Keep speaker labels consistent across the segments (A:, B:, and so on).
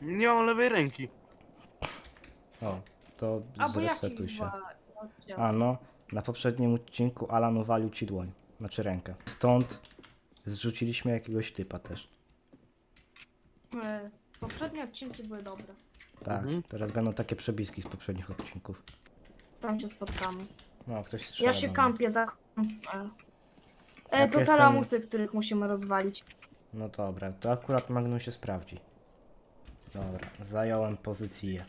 A: Nie mam lewej ręki.
B: O, to
C: Albo ja ci
B: zresetuj się.
C: oddział.
B: A no, na poprzednim odcinku Alan uwalił ci dłoń. Znaczy rękę. Stąd zrzuciliśmy jakiegoś typa też.
C: Poprzednie odcinki były dobre.
B: Tak, teraz będą takie przebiski z poprzednich odcinków.
C: Tam się spotkamy.
B: No, ktoś strzela.
C: Ja się
B: do mnie.
C: kampię za...
B: Jak
C: to te
B: jestem-
C: lamusy, których musimy rozwalić.
B: No dobra, to akurat Magnum się sprawdzi. Dobra, zająłem pozycję.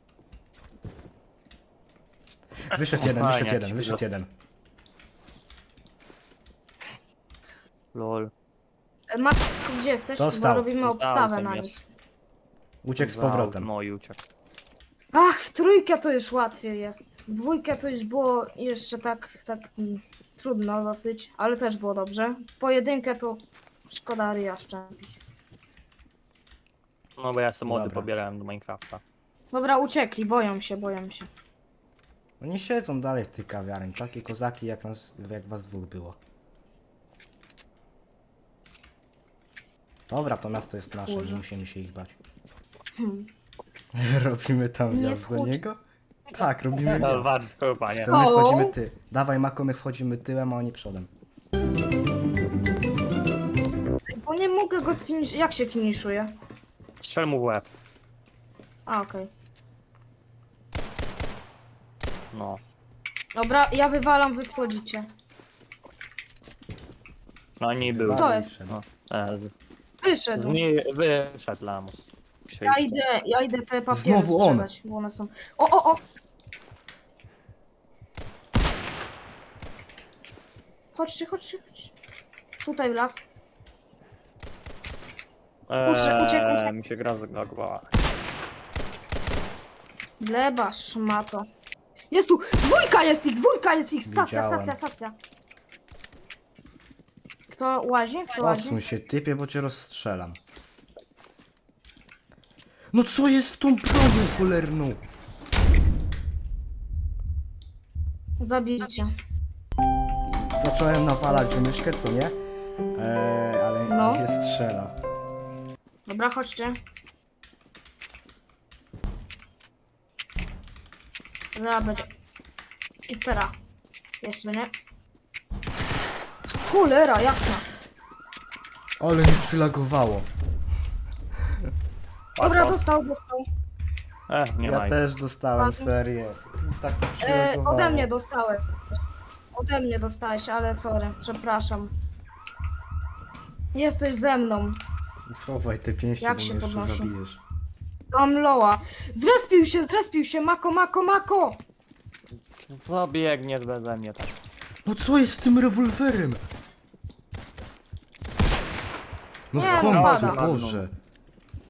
B: Wyszedł jeden,
D: Fajnie,
B: wyszedł jeden,
D: jak się
B: wyszedł
D: wyrosło.
B: jeden.
D: Lol.
C: Matko, gdzie jesteś?
B: Dostał.
C: Bo robimy
D: Dostał,
C: obstawę
D: tam
C: na
D: jest.
C: nich.
B: Uciekł z powrotem.
D: No i uciekł.
C: Ach, w trójkę to już łatwiej jest. W dwójkę to już było jeszcze tak trudno dosyć, ale też było dobrze. W pojedynkę to szkoda ryja szczępić.
D: No bo ja sobie mody
B: Dobra.
D: pobierałem do Minecrafta.
C: Dobra, uciekli, boją się, boją się.
B: Oni siedzą dalej w tej kawiarni, takie kozaki jak was dwóch było. Dobra, to miasto jest nasze, nie
C: Kurze.
B: musimy się ich bać.
C: Hmm.
B: Robimy tam
C: Nie
B: wjazd do
C: wchodź.
B: niego? Tak, robimy
D: No
B: wjazd.
D: warto chyba, nie?
B: To my
C: O!
B: wchodzimy Dawaj Mako, my wchodzimy tyłem, a oni przodem.
C: Bo nie mogę go sfiniszować. Jak się finiszuje?
D: Strzel mu w łeb.
C: A, okej.
D: No.
C: Dobra, ja wywalam, wy wchodzicie.
D: No nie był.
C: Co jest?
D: No.
C: Wyszedł.
D: Wyszedł lamus.
C: Ja idę te papiery
B: Znowu on.
C: sprzedać, bo one są... O! Chodźcie. Tutaj w las. Kurczę, uciekł.
D: Mi się gra zagłowała.
C: Gleba, szmato. Jest tu! Dwójka jest ich! Stacja.
B: Widziałem.
C: Kto łazi?
B: Odsuń się typie, bo cię rozstrzelam. No co jest z tą bronią cholerną?
C: Zabijcie.
B: Zacząłem nawalać w myszkę, co nie? Ale
C: No.
B: nie strzela.
C: Dobra, chodźcie. Zaraz będzie. I teraz. Jeszcze nie. Cholera, jasna.
B: Ale mi przylagowało.
C: Dobra, dostał.
D: Nie
B: Ja
D: ma.
B: też dostałem serię. Tak mi przylagowało.
C: Ode mnie dostałeś. Ode mnie dostałeś, ale sorry, przepraszam. Jesteś ze mną.
B: Schowaj te pięści,
C: Jak
B: bo
C: się
B: mnie jeszcze
C: podnosi?
B: zabijesz.
C: Mam loa. Zrespił się, Mako.
D: No biegnie beze mnie tak.
B: No co jest z tym rewolwerem? No
C: Nie,
B: w
C: no
B: końcu,
C: pada.
B: Boże.